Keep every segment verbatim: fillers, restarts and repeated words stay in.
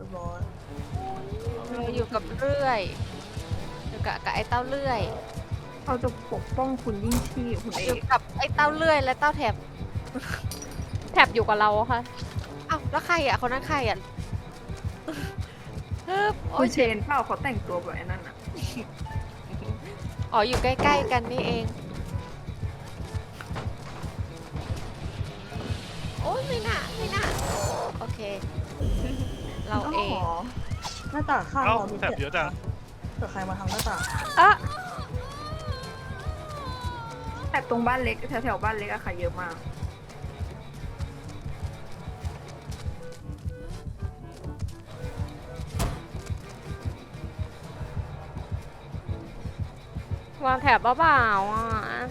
ยบร้อยเราอยู่กับเลื่อยอยู่กับกับไอ้เต้าเลื่อยเราจะปกป้องคุณยิ่งชีพคุณเออยู่กกับไอ้เต้าเลื่อยและเต้าแถบแถบอยู่กับเราค่ะอ้าวแล้วใครอ่ะคนนั้นใครอ่ะฮึบโอ้คุยณเชนเปล่าเขาแต่งตัวแบบไอ้นั่นอ่ะอ๋ออยู่ใกล้ๆกันนี่เองโอ้ยไม่น่าไม่น่าโอเค เราเองหน้าต่างข้างเอ้าเรามีแถบเยอะจังเกิดใครมาทางหน้าต่างอ่ะแต่ตรงบ้านเล็กแถวๆบ้านเล็กอะค่ะเยอะมากวางแถบเปล่าๆอ่ะ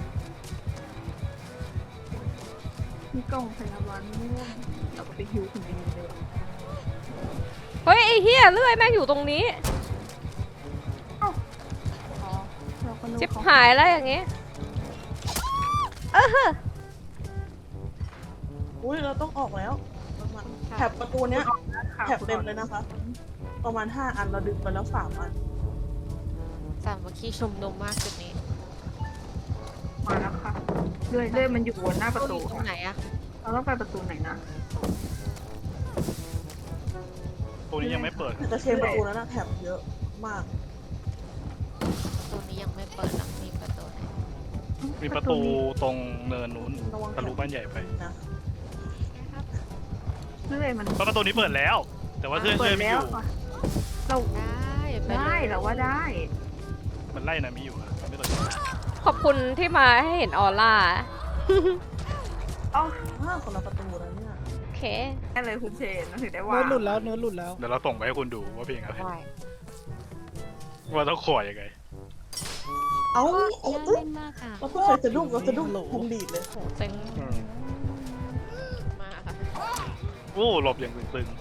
มีกล่องพยาบาลม่วงเราก็ไปฮิวคุณดีเลยเฮ้ยไอ้เฮียเลื่อยแม่งอยู่ตรงนี้อ๋อเราก็นึกชิบเขาหายแล้วอย่างงี้เอออุ้ยเราต้องออกแล้วประมาณแถบประตูเนี้ยค่ะแถบเต็มเลยนะคะ ประมาณห้าอันเราดึงไปแล้วสามอันสามัคคีชุมนุมมากจุดนี้มาแล้วค่ะเรื่อยเรื่อยมันอยู่บนหน้าประตูอยู่ตรงค่ะไหนอะเราต้องไปประตูไหนนะตัวนี้ยังไม่เปิดแต่จะเชนประตูนั้นนะแถบเยอะมากตัวนี้ยังไม่เปิดหรอกมีประตูไหนมีประตูตรงเนินนู้นทะลุบ้านใหญ่ไปนะเรื่อยมันเพราะประตูนี้เปิดแล้ว แต่ว่าเพื่อนเปิเชื่ดอไม่แล้อวยู่ค่ะเราได้ปได้ลยเราว่าได้มันไล่นะมีอยู่อะไม่เปิดขอบคุณที่มาให้เห็นออร่าอ๋อห้าคนละประตูแล้วเนี่ยโอเคแค่เลยคุณเชนถึงได้ว่าเนื้อหลุดแล้วเนื้อหลุดแล้วเดี๋ยวเราส่งไปให้คุณดูว่าเพลงอะไรได้ว่าต้องขอยังไงเอ้าเอาน่าเอ้ยเล่นมากค่ะเราพูดใครจะดุ้งเราจะดุ้งพุงดีดเลยโหเซ็งอืมมาค่ะโอ้หลบอย่างตึง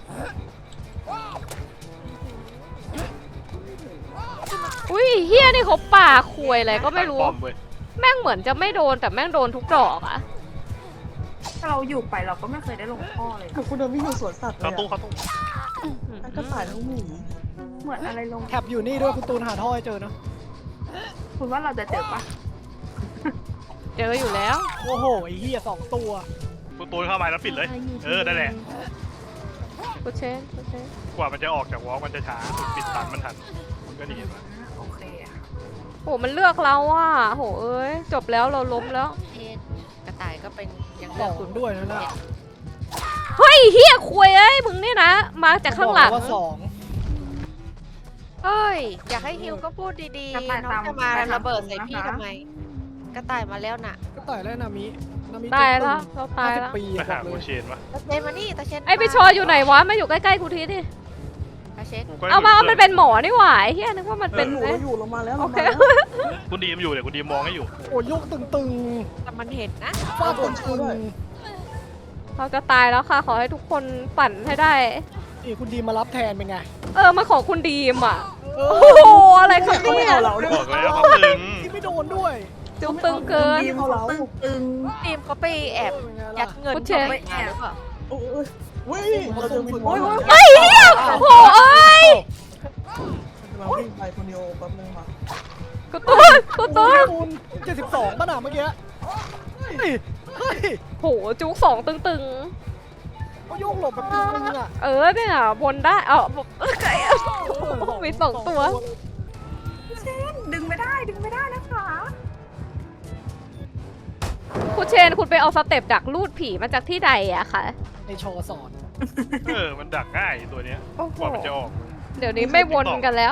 อุ้ยเฮียนี่เขาป่าควยอะไรๆก็ไม่รู้ป้อมเว้ยแม่งเหมือนจะไม่โดนแต่แม่งโดนทุกดอกอะถ้าเราอยู่ไปเราก็ไม่เคยได้ลงท่อเลยเหมือนคุณเดินไม่อยู่สวนสัตว์เลเข้าย ตู้อะเข้าตู้ทั้งกระต่ายทั้งหมีเหมือนอะไรลงแท็บอยู่นี่ด้วยคุณตูนหาท่อให้เจอนะคุณว่าเราจะเจอปะเจออยู่แล้วโอ้โหไอ้เหี้ยสองตัวประตูเข้ามาแล้วปิดเลย เออนั่นแหละกูเชนกูเชนกว่ามันจะออกจากวอล์กมันจะช้าปิดตันมันทันมันก็ดีมาโอเคอะโหมันเลือกเราอ่ะโหเอ้ยจบแล้วเราล้มแล้วเอ็นกระต่ายก็เป็นยังสเลืออกงคุณด้วยนะน่ะเฮ้ยเฮียควยเอ้ยมึงนี่นะมาจากข้างหลังบอกแวว่าสองเฮ้ย อยากให้ฮิวก็พูดดีๆ น้องจะมาระเบิดใส่พี่ทำไม กระต่ายมาแล้วน่ะก็ต่อยแล้วนามินามิตายแล้วเราตายห้าสิบแล้วปีไปอะบหาอกเลโคยเชนวะตาเชนมานี่ตาเชนไอพี่ชออยู่ไหนวะมาอยู่ใกล้ๆกูทีดิตาเชนกูก็เอามาเอามันเป็นหมอนี่หว่าไอ้เฮียนึกว่ามันเป็นอยู่เอ้เรายอยู่เรามาแล้วโอเราเคมาแล้วคุณดีมอยู่เดี๋ยวคุณดีมมองให้อยู่โอ้ยกตึงแต่มันเห็นนะๆฟาดคนตึงเราจะตายแล้วค่ะขอให้ทุกคนปั่นให้ได้นี่คุณดีมารับแทนเป็นไงเออมาของคุณดีมอ่ะเอโอ้อโหอะไรครับเขาไม่เนี่ยเอาเราด้วยบอกแล้วเขาตึงที่ไม่โดนด้วยจุ๊บตึงเกินทีมเขาเราตึงตึงทีมเขาไปแอบเป็นไงยัล่ะดเงินคุณเชเขานไปแอบหรือเปล่าโอ้ยเว้ยเราจะวินโอ้ยเฮ้ยเฮียโอ้โหเอ้ยเราวิ่งไปคนเดียวแป๊บนึงค่ะกูตูนกูตูนคุณเจ็ดสิบสองป่ะน่ะเมื่อกี้เฮ้ยเฮ้ยโหจุ๊กสองตึงเขาโยกหลบแบบตึงๆอ่ะๆ เออเนี่ยบนได้เออไก่มีสองตัวเชนดึงไม่ได้ดึงไม่ได้นะคะคุณเชนคุณไปเอาสเต็ปดักลูดผีมาจากที่ใดอะคะในโชว์สอนเออมันดักง่ายตัวเนี้ยโอ้โหกว่ามันจะออกเดี๋ยวนี้ไม่วนกันแล้ว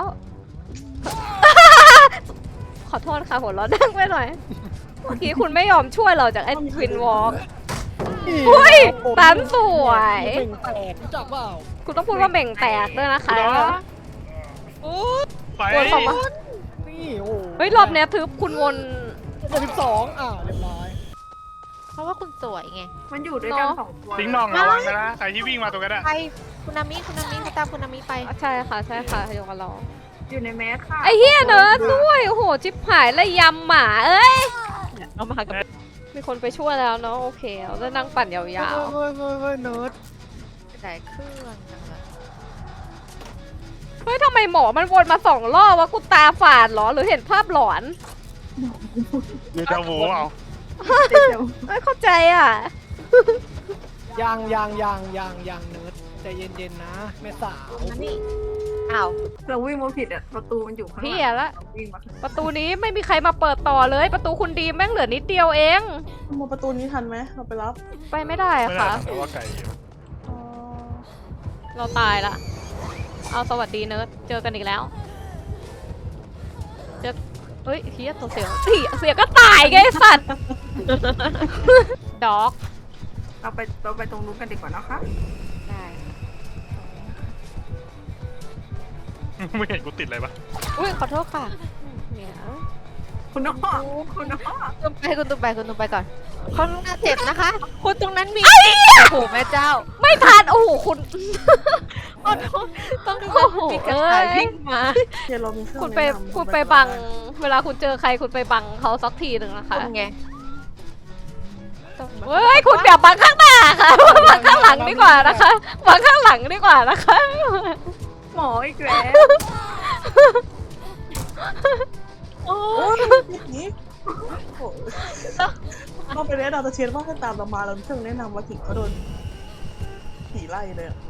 ขอโทษค่ะหัวเราะดังไปหน่อย เมื่อกี้คุณไม่ยอมช่วยเราจากไอ้ทวินวอล์ก อุ้ยตันสวยเป่งแตกรู้จักเปล่าคุณต้องพูดว่าเบ่งแตกด้วยนะคะไปวนสองมานี่โอ้เฮ้ยรอบเนี้ยทึบคุณวนเจ็ดสิบสองอ่าเรียบร้อยเพราะว่าคุณสวยไงมันอยู่ด้วยกันเนอะสองตัวทิ้งน่องระวังนะใครที่วิ่งมาตรงนั้นอะไปคุณนามิคุณนามิคุณตามคุณนามิไปใช่ค่ะใช่ค่ะโยกับเราอยู่ในแมสค่ะไอ้เฮียเนิร์ดด้วยโอ้โหจิบหายเลยยำหมาเอ้ยเอามากับมีคนไปช่วยแล้วเนาะโอเคเราจะนั่งปั่นยาวเฮ้ยเฮ้ยเฮ้ยเฮ้ยเนิร์ดกระต่ายเครื่องจังเลยๆเฮ้ยทำไมหมอมันวนมาสองรอบวะกูตาฝาดเหรอหรือเห็นภาพหลอนเดี๋ยวจะวูเอาไม่เข้าใจอ่ะยังยังยังยังยังเนิร์ดใจเย็นๆนะแม่สาวนี่อ้าวเราวิ่งมาผิดอ่ะประตูมันอยู่ข้างหลังพี่อะละเราวิ่งมาข้างหลังประตูนี้ไม่มีใครมาเปิดต่อเลย ประตูคุณดีมแม่งเหลือนิดเดียวเองมาประตูนี้ทันไหมเราไปรับไปไม่ได้อะไม่ได้ค่ะเพราะว่าไก่อยู่อ๋อเราตายละ เอาสวัสดีเนิร์ด เจอกันอีกแล้ว เจอเฮ้ยเฮียตัวเสียวเสียเสียก็ตายไงไอ้สัตว์ ด็อกเราไปเราไปตรงนู้นกันดีกว่านะคะได้ไม่เห็นกูติดอะไรปะอุ้ยขอโทษค่ะเนี่ยคุณน้อคุณน้อคุณไปคุณตุ้มไปคุณตุ้มไปก่อนคนน่าเจ็บนะคะ คุณตรงนั้นมีโอ้โหแม่เจ้าไม่ทัน โอ้โห คุณขอโทษต้องดูว่ามีกระต่ายวิ่งมาเดี๋ยวเรามีเครื่องคุณไปแนะนำคุณไปบัง เวลาคุณเจอใครคุณไปบังเขาสักทีหนึ่งนะคะคุณไงต้องมาเฮ้ย คุณอย่าบังข้างหน้าค่ะ บังข้างหลังดีกว่านะคะ บังข้างหลังดีกว่านะคะหมออีกแล้วโอ้โอ้ยยนี่โอ้ยเราไปแนะนำตาเชนว่าให้ตามเรามาเรามีเครื่องแนะนำมาถึงเขาโดนผีไล่เลยอะ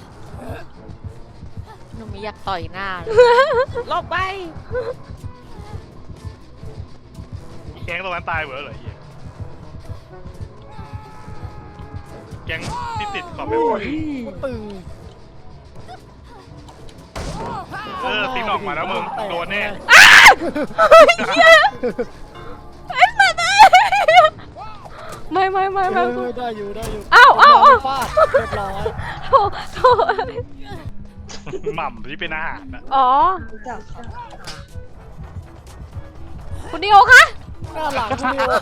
หนูไม่อยากต่อยหน้าเลยลบไปแก๊งตรงนั้นตายหมดแล้วเหรอไอ้เหี้ยแก๊งที่ติดขอบแบบก็ตึงเออตีนออกมาแล้วมึงโดนแน่ไม่ไม่ไม่ไม่เออได้อยู่ได้อยู่อ้าวอ้าวอ้าวฟาดเรียบร้อยโถโถหม่ำที่เป็นอาหารนะอ๋อรู้จักค่ะคุณดิโอคะหน้าหลังคุณนิว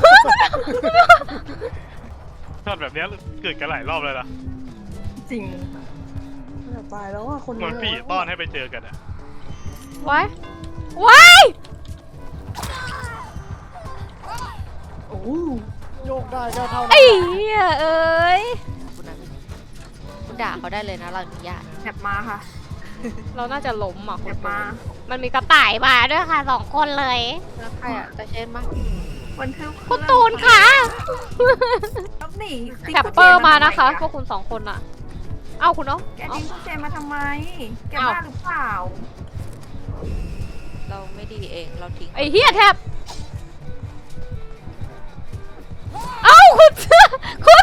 ชอบแบบเนี้ยเกิดกันหลายรอบเลยนะจริงจะตายแล้วอ่ะคนเหมือนผีต้อนให้ไปเจอกันอะไว้ไว้โอ้โหโยกได้ก็เท่านั้นไอ้เหี้ยเอ้ยคุณนั้นคุณด่าเขาได้เลยนะเราอนุญาตแถบมาค่ะเราน่าจะล้มอ่ะแถคุณบมามันมีกระต่ายมาด้วยค่ะสองคนเลยแล้วใครอ่ะจะเช่นมาวันทึบคุณตูนค่ะแล้วหนีแคปเปอร์มานะคะ พวกคุณสองคนอ่ะ เอ้าคุณเนาะแกเอ้าดิ้งคุณเจนมาทำไม แกอ้าวบ้าหรือเปล่าเราไม่ดีเองเราทิ้งไอ้เหี้ยแทบ เอ้าคุณคุณ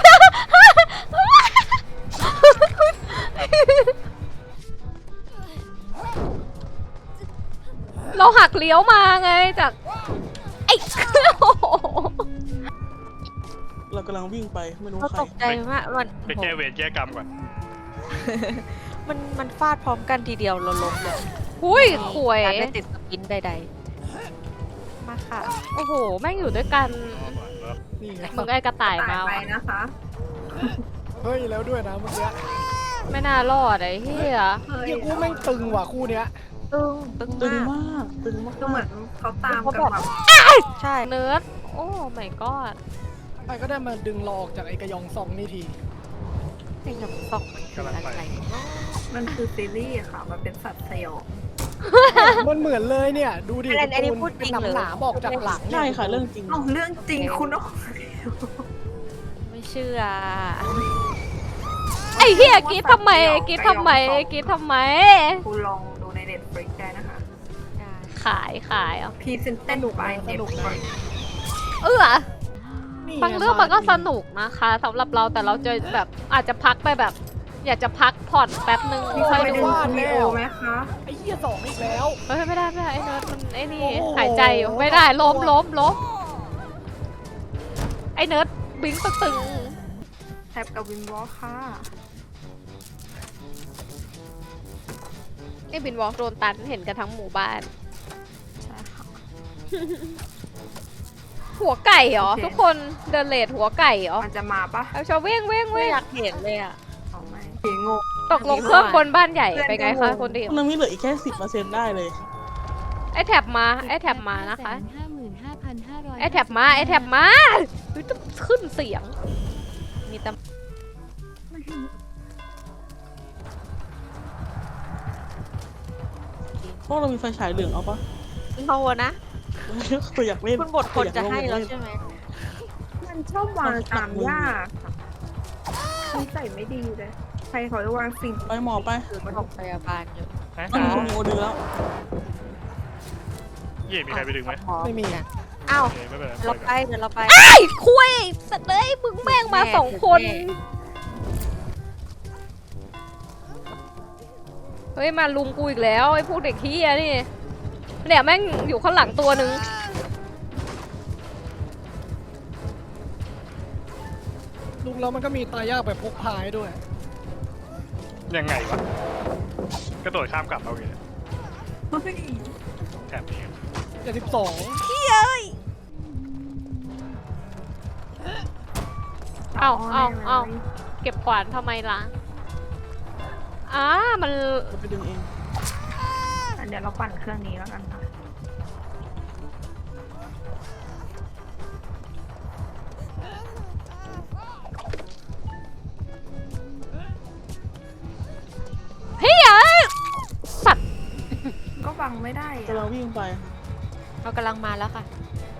เราหักเลี้ยวมาไงจากไอ้ โอ้โหเรากำลังวิ่งไปไม่รู้เราใครตกใจมากมันไปแก้เวรแก้กรรมก่อนมันมันฟาดพร้อมกันทีเดียวเราล้มเลยหุ้ยข่วยการไม่ติดสปินใดๆมาค่ะโอ้โห แม่งอยู่ด้วยกันนี่ไงมึงไอ้กระต่ายตายมาไปว่ะนะคะเฮ้ยแล้วด้วยนะเมื่อกี้ไม่น่ารอดไอ้เหี้ยเฮ้ยเฮียกูแม่งตึงว่ะคู่เนี้ยตึงตึงตึงมากมากตึงมากก็เหมือนเขาตามกันแบบใช่เนิร์ดโอ้ my god ไอ้ก็ได้มาดึงเราออกจากไอ้กระยองซองนี่ทีไอ้กับสองมันคืออะไรมันคือซีรีส์ค่ะ มันเป็นสัตว์สยองมันเหมือนเลยเนี่ย ดูดิอันอันนี้คุณพูดจริงเป็นเลยหนามๆบอกจากหลังใช่ค่ะเรื่องจริงเอ้าเรื่องจริงคุณน้อไม่เชื่อไอ้เหี้ยกรีดทำไมกรีดทำไมกรีดทำไมคุณลองดูในเน็ตฟลิกได้นะคะขายขายอ่ะพรีเซนเต็ดบายเน็ตฟลิกเออนี่บางเรื่องมันก็สนุกนะคะสำหรับเราแต่เราจะแบบอาจจะพักไปแบบ อยากจะพักผ่อนแป๊บนึงมีค่อยไปดูดูวีโอไหมคะไอ้เหี้ยสองอีกแล้วเฮ้ยไม่ได้ไม่ได้ไอ้เนิร์ดมันไอ้นี่โอ้โหหายใจอยู่ไม่ได้ล้มล้มล้มไอ้เนิร์ดบิงตึงแท็บกับวินวอลค่ะไอ้บินวอล์กโดนตันเห็นกันทั้งหมู่บ้านใช่ค่ะหัวไก่เหรอโอเคทุกคนเดินเลดหัวไก่เหรอมันจะมาปะเอาชาวเว้งเว้งไม่เว้งอยากเห็นเลยอ่ะเอาไหมเสียงงงตกลงเครื่องคนบ้านใหญ่เพื่อนไปไงก็คะงงคนเดียวมันมีเหลืออีกแค่สิบเปอร์เซ็นต์ได้เลยไอ้แท็บมาไอ้แท็บมานะคะห้าหมื่นห้าพันห้าร้อยไอ้แท็บมาไอ้แท็บมาเฮ้ยต้องขึ้นเสียงมีตำพวกเรามีไฟฉายเหลืองเอาปะเอาอะนะคืออยากเล่นคุณบทคนจะให้เราใช่ไหมมันชอบวางตามยากค่ะนิสัยไม่ดีเลย ใครเขาจะวางสิ่งไปหมอไปคือมันพยาบาลอยู่นะมันมีคนมีโอดึงแล้วเย่มีใครไปดึงไหมไม่มีอ้าวโอเคไม่เป็นไรเราปล่อยไปเดี๋ยวเราไปไอ้คุยสัตว์เลยมึงแม่งมาสองคน เฮ้ยมาลุมกูอีกแล้วไอ้พวกเด็กขี้ยนี่เนี่ยแม่งอยู่ข้างหลังตัวหนึ่งลุงแล้วมันก็มีตายากแบบพกพายด้วยยังไงวะกระโดดข้ามกลับเอาอย่างเงี้ยเฮ้ยแถบนี้เจ็ดสิบสองเอาเอาเอาเก็บขวานทำไมล่ะอ้ามันเราไปดึงเองอันเดี๋ยวเราปั่นเครื่องนี้แล้วกันค่ะเฮ้ยเอ้ยสัตว์ก็บังไม่ได้กำลัอะงวิ่งไปเรากำลังมาแล้วค่ะ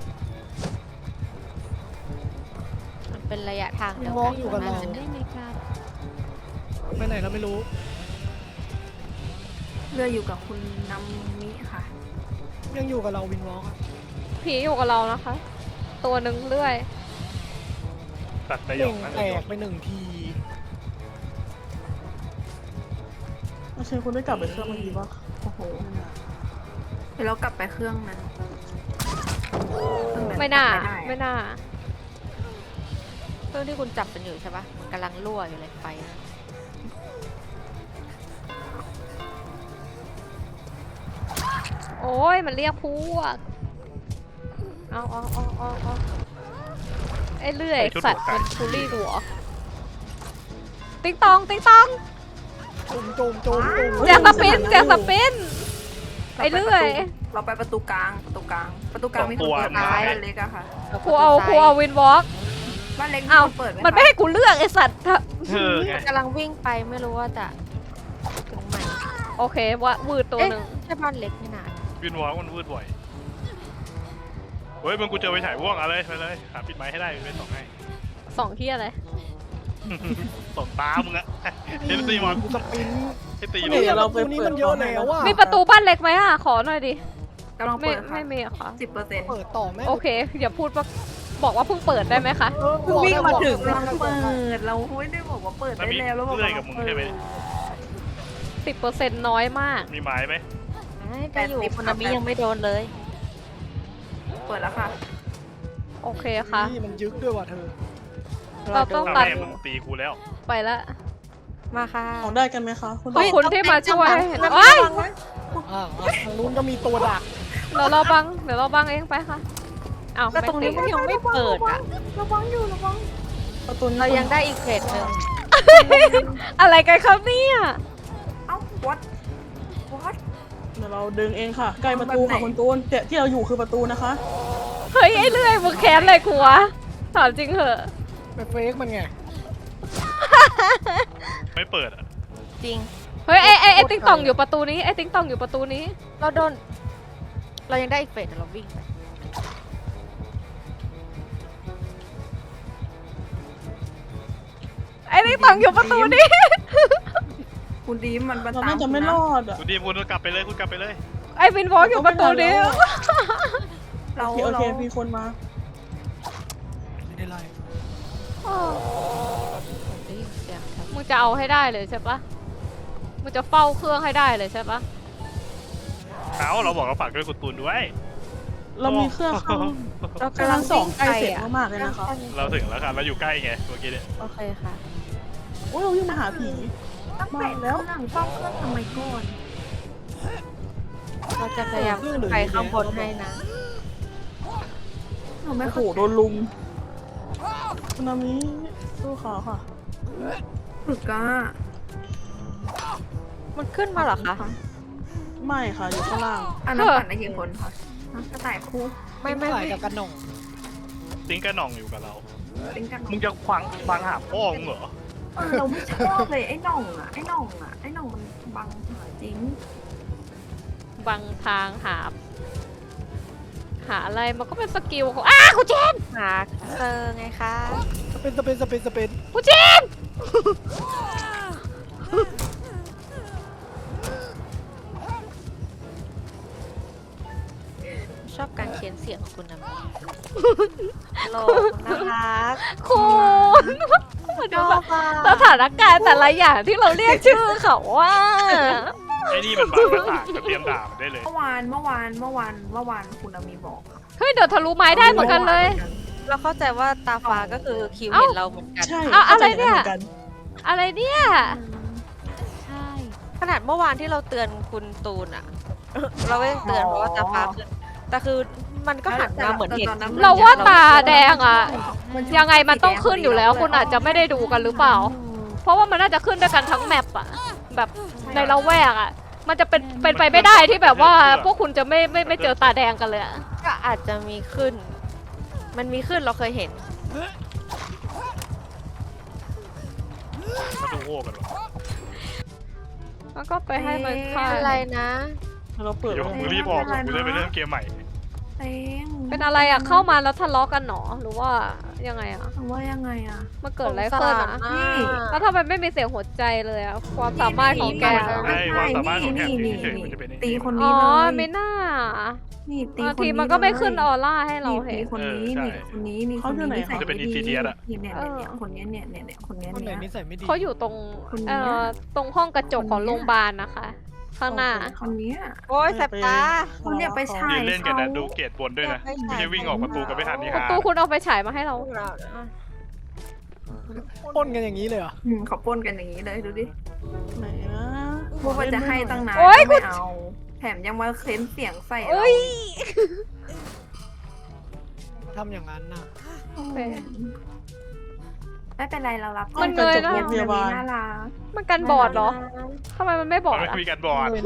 มันเป็นระยะทางวิเดีนยววอกัล์กอยู่กับเราได้ไหมครับไปไหนเราไม่รู้เรืออยู่กับคุณน้ำมิค่ะยังอยู่กับเราวินวอล์กอะผีอยู่กับเรานะคะ ตัวหนึ่งเรื่อยตัดได้หยเป่อง กนั่นแตเลยกไปหนึ่งทีไม่ใช่คุณได้กลับไปเครื่องเมื่อกี้ปะโอ้โห เดี๋ยวเรากลับไปเครื่องนั้นเครื่องไม่น่ากลับปด้ไม่น่าเครื่องที่คุณจับเป็นอยู่ใช่ปะมันกำลังรั่วอยู่เลยไฟนะโอ้ยมันเรียกพวกเอาเอาเอาเอาเอาไอ้เลื่อยสัตว์มันทูรี่หัวติ๊งตองติ๊งตองจุ่มจุ่มจุ่มจุ่มแจกสปินแจกสปินไอ้เลื่อยเราไปประตูกลางประตูกลาง ประตูกลางมีคนเปิดไหมบ้านเล็กอะค่ะกูเอากูเอาวินวอล์กบ้านเล็กมีเอาคนเปิดไหมมันไม่คะให้กูเลือกไอ้สัตว์เออไงกำลังวิ่งไปไม่รู้ว่าจะถึงไหนโอเคว่าวืดตัวเอ๊ะหนึ่งใช่บ้านเล็กนี่นาวินวอล์กมันวืดบ่อยเฮ้ยมึงกูเจอไปฉายว่วงอะไรไปเลยหาปิดไม้ให้ได้เป็นสองให้สองที่อะไรสองตามึงอะเห็นตีมอนกูสปินให้ตีเนี่เลยยเราตัวนี้มันเยอะแล้วอะมีประตูบ้านเล็กไหมอ่ะ ขอหน่อยดิกำลังไม่เปิดค่ะไม่มีอะค่ะสิบเปอร์เซ็นต์เปิดต่อแม่โอเค อย่าพูดว่าบอกว่าเพิ่งเปิดได้ไหมคะเออเพิ่งวิ่งมาถึงบอกกำลังได้เปิด เราไม่ได้บอกว่าเปิดได้แล้วแล้วบอกเรื่อยว่ากับมึงใช่ไหมสิบเปอร์เซ็นต์น้อยมากมีไม้ไหมไปอยู่คุณนามิยังไม่โดนเลยเปิดแล้วค่ะโอเคค่ะนี่มันยึกด้วยว่ะเธอเราต้องถ้าตัดแม่มึงตีกูแล้วไปละมาค่ะของได้กันไหมคะคุณขอบคุณที่มาช่วยน้ำเอ้ยระวังไว้อ่าอ่ะทางนู้นก็มีตัวดักเดี๋ยวเราบัง เดี๋ยวเราบังเองไปค่ะอ้าวแล้วตรงนี้ไม่มันติดยังไม่เปิดอ่ะระวังอยู่ระวังประตูนี้เรายังได้อีกเฟสหนึ่งอะไรกันครับเนี่ยเอ้า what what เดี๋ยวเราดึงเองค่ะ ใกล้ประตูค่ะคุณตูนเนี่ยที่เราอยู่คือประตูนะคะเฮ้ยไอ้เลื่อยมึงแค้นอะไรกูวะถามจริงเหอะไปเฟกมันไงไม่เปิดอะจริงเฮ้ยไอ้ไอ้ไอ้ติ๊งตองอยู่ประตูนี้ไอ้ติ๊งตองอยู่ประตูนี้เราโดน เรายังได้อีกเฟสแต่เราวิ่งไปไอ้ติ๊งตองอยู่ประตูนี้คุณดีมมันมันเราตามน่าจะไม่รอดอ่ะคุณดีมคุณกลับไปเลยคุณกลับไปเลยไอ้วินวอล์กอยู่ประตูนี้เราโอเคโอเราเคมีคนมาไม่ได้ไล่ได้ยินเสียงครับมึงจะเอาให้ได้เลยใช่ปะมึงจะเฝ้าเครื่องให้ได้เลยใช่ปะเอาเราบอกเราฝากด้วยคุณตูนด้วยเรามีเครื่องเข้าเรากำกำลัลังงสองวิ่งใกล้ไปเสร็จอ่ะมากๆเลยนะคะเราถึงแล้วค่ะเราอยู่ใกล้ไงเมื่อกี้เนี่ยโอเคค่ะโอ้ยเราวิ่งมาหาผีตั้งแต่แล้วหลังเฝ้าเครื่องทำไมก่อนเราจะพยายามขึ้นไปข้างบนให้นะเราไม่โอ้โหเข้าโดนลุมคุณนามิสู้เขาค่ะฝึกอ่ะมันขึ้นมาเหรอคะไม่ค่ะอยู่ข้างล่างอันนั้นปั่นได้กี่คนคะกระต่ายคู่ไม่ไม่ถ่ายไม่กับกันหน่องติ้งกระหน่องอยู่กับเราเป็นกันมึงจะฟังฟังหาพ่อมึงเหรอเออเราไม่ชอบเลยไอ้หน่องอ่ะไอ้หน่องอ่ะไอ้หน่องมันบังหาจริงดบางทางหา หาอะไรมันก็เป็นสกิลของอ้าคุณเจนหาเจอไงคะสเปนสเปนสเปนสเปนคุณเจนชอบการเขียนเสียงของคุณนะมีโลกน่ารักคุณดูสถานการณ์แต่ละอย่างที่เราเรียกชื่อเขาว่าไอ้นี่มันบางภาษาจะเตรียมด่ามันได้เลยเมื่อวานเมื่อวานเมื่อวานเมื่อวานคุณอามีบอกค่ะเฮ้ยเดี๋ยวทะลุไม้ได้เหมือนกันเลยเราเข้าใจว่าตาฟ้าก็คือคิวเอ้าเห็นเราเหมือนกันใช่เอาอะไรเนี่ยข้าใจางหมืกัอะไรเนี่ย ใช่ขนาดเมื่อวานที่เราเตือนคุณตูนอะ เราก็ยังเตือนเพราะว่าตาฟ้าขึ้นแต่คือมันก็หันมาเหมือนเห็นเราว่าตาแดงอะยังไงมันต้องขึ้นอยู่แล้ว คุณอาจจะไม่ได้ดูกันหรือเปล่า เพราะว่ามันน่าจะขึ้นด้วยกันทั้งแมปอะแบบในละแวกอะมันจะเป็นเป็นไปไม่ได้ที่แบบว่า พวกคุณจะไม่ไม่ไม่เจอตาแดงกันเลยอะก็อาจจะมีขึ้น มันมีขึ้นเราเคยเห็นมาดูโอ้กันวะแล้วก็ไปให้มันฆ่าอะไรนะเราเปิดเดี๋ยวไว้มึงรีบออกกูจะไปเริ่มเกมใหม่เต็งเป็นอะไรอะเข้ามาแล้วทะเลาะกันหนอหรือว่ายังไงอะว่ายังไงอะมันเกิดอะไรขึ้นอะนี่แล้วทำไมไม่มีเสียงหัวใจเลยอะความสามารถของแกใช่ความสามารถของแขกเฉยๆมันจะเป็นไอ้ตีนี่คนอ๋นี้อเลยไม่น่านี่ตีบางคนทีนี้มันก็ไม่ขึ้นเลยออร่าให้เรานี่เห็ตีนคนนี้เออนี่ใช่คนนี้นี่คนนี้มันจะเป็น insidious อะเนี่ยเนี่ยเนี่ยเนี่ยคนเนี้ยเนี่ยเนี่ยเนี่ยคนเนี้ยคนไหนเนี่ยนิสัยไม่ดีเขาอยู่ตรงคนนี้เอ่อตรงห้องกระจกของโรงพยาบาลนะคะ ข้างหน้าคนเนี้ยโอ้ยแสบตาคุณอย่าไปฉายืยนเล่นกันนะขาดูเกตบนด้วยนะไม่ใช่ไม่ใช่วิ่งออกประตูกันไม่ทันนี่ประฮะตูคุณเอาไปฉายมาให้เราปล้นกันอย่างนี้เลยเหรออืมเขาปล้นกันอย่างนี้เลยดูดิไหนนะพูดว่าจะให้ตั้งนานโอ๊ยไม่เอา แถมยังมาเค้นเสียงใส่เราเอ้ยทำอย่างนั้นน่ะอืมไม่เป็นไรเรารับมันเลยนะโรงพยาบาลน่ารักมันกันบอดเหรอทำไมมันไม่บอดมันอะไม่มีการบอด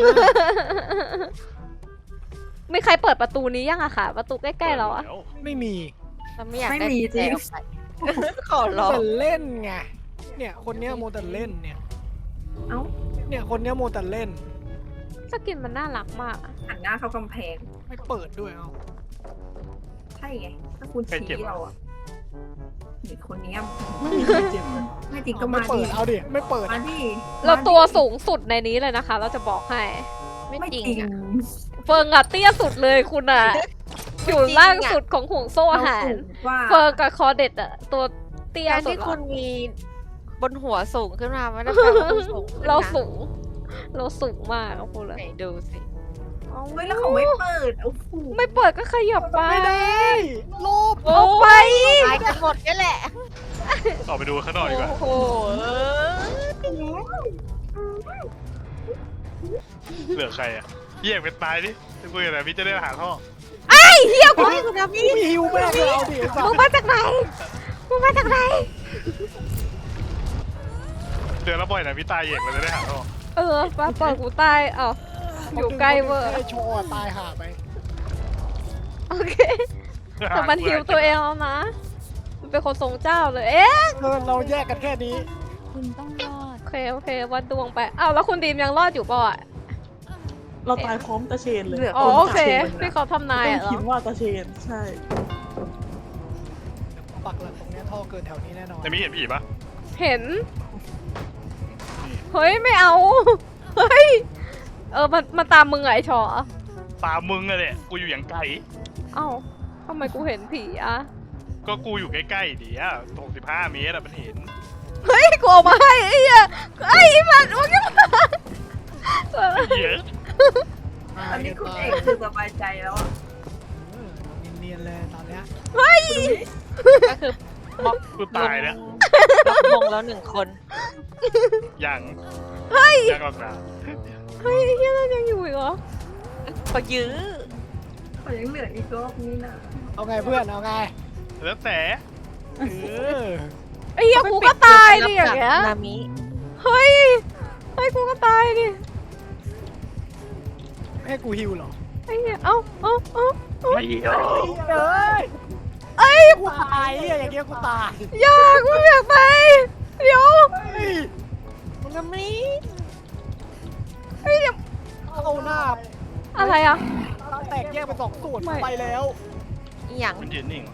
มีใครเปิดประตูนี้ยังอะค่ะ ประตูใกล้ๆเราอะไม่มีเราไม่อยากไม่ได้มีจริงแจออกไปขอร้องแต่เล่นไง เนี่ยคนเนี้ยโมแต่เล่นเนี่ยเอ้าเนี่ยคนเนี้ยโมแต่เล่นสกินมันน่ารักมากอะหันหน้าเข้ากำแพงไม่เปิดด้วยเอาใช่ไง ถ้าคุณชี้เราอะนี่คนเนี้ยไม่มีใครเจ็บเลยไม่จริงก็ไม่มาเปิดิดเอาดิ ไม่เปิดมาดิเราตัวสูงสุดในนี้เลยนะคะ เราจะบอกให้ไม่ไม่จจริริงงอะเฟิงอะเตี้ยสุดเลยคุณอะอยู่ล่างสุดของห่วงโซ่อาหารเสูงกว่าเฟิงกับคอเด็ดอะตัวเตี้ยการสุดที่ละคุณมีบนหัวสูงขึ้นมาไม่ได้แปลว่าคุณสูงขึ้นนะเราสูง เราสูงมากอะพูดเลยไหนดูสิเฮ้ยแล้วเขาไม่เปิดโอ้โหไม่เปิดก็ขยับไปไม่ได้ลบเอาไปตายกันหมดนี่แหละออกไปดูข้างนอกดีกว่าโอ้โหเหลือใครอ่ะเยี่ยมกันตายดิจะคุยกันแต่พี่จะได้หาท่อเฮียกูคุณอามี่มีฮิวแม่งเลยเอาดิไอ้สัมึสงมาจากไหนมึงมาจากไหนเดือนละบ่อยนะพี่ตายเองเราจะได้หาท่อเออป้าเปิดกูตายเอ้าอยู่ใกล้เวอร์ไอ้โชว์อะตายหาไปโอเค แต่มันฮิวตัวเองแล้วนะ มันเป็นคนทรงเจ้าเลย เอ๊ะเออเราแยกกันแค่นี้คุณต้องรอด โอเค โอเค วัดดวงไป อ้าว แล้วคุณดีมยังรอดอยู่ป่ะอะเราตายพร้อมตาเชนเลยเหลืออ๋อคนโอเคตาชนที่เขาทำนายต้ออะงเหรคิอดว่าตาเชนใช่ปักหลักตรงเนี้ยท่อเกินแถวนี้แน่นอนแต่มีเห็นผีปะเห็น เฮ้ย ไม่เอา เฮ้ย เออ มันมันตามมึงเหรอไอชอตามมึงอะเนี่ยกูอยู่อย่างไกลเอ้าทำไมกูเห็นผีอะก็กูอยู่ใกล้ๆดิอ่ะหกสิบห้าเมตรอะมันเห็นเฮ้ย กูออกมาให้ไอ้เหี้ยไอ้มันมึงจะมาเยอะอันนี้คุณเอกคือสบายใจแล้วอะเออเนียนๆเลยตอนเนี้ยก็คือม็อบกูตายแล้วล็อกมงแล้วหนึ่งคนยังยังหรอกนะเฮ้ยไอ้เหี้ยนั่นยังอยู่อีกเหรอก็ยื้อเขายังเหลืออีกรอบนี้นะเอาไงเพื่อนเอาไงแล้วแต่เออไอ้เหี้ยกูก็ตายดิอย่างเงี้ยนามิเฮ้ย เฮ้ย กูก็ตายดิให้กูฮิวเหรอไอ้เหี้ย เอ้าเอ้าเอ้าไม่เยอะเอ้ยเอ้ยกูตายอะอย่างเงี้ยกูตายอยากกูอยากไป เดี๋ยวเฮ้ยนามิเฮ้ยเดี๋ยวเอาหน้าอะไรอ่ะตาแตกแยกเป็นสองส่วนไม่ไปแล้วอหย่างมันยืนนิ่งเหรอ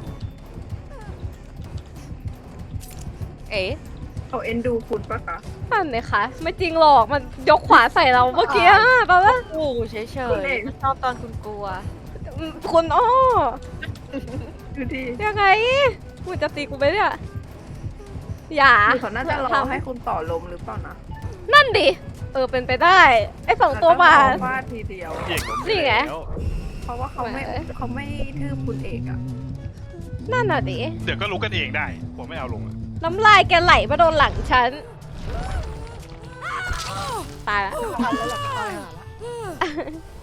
เอ๊ะเขาเอ็นดูคุณปะคะนั่นเลยคะไม่จริงหรอกมันยกขวาใส่เราเมื่อกี้อะแปลว่าโอ้เฉยเฉยๆชอบตอนคุณกลัวคุณอ้อดูดิยังไงคุณจะตีกูไหมเนี่ยอย่าหรือเขาน่าจะรอให้คุณต่อลมหรือเปล่านะนั่นดิ เออเป็นไปได้ ไอ้สองตัวมาแล้วก็ฟาดทีเดียวเอกผมนี่ไงแล้วเพราะว่าเขาไม่เขาไม่ทืบคุณเอกอะนั่นน่ะดิเดี๋ยวก็รู้กันเองได้ ผมไม่เอาลงอะน้ำลายแกไหลมาโดนหลังฉัน ตายละทันแล้วแหละตายหาละ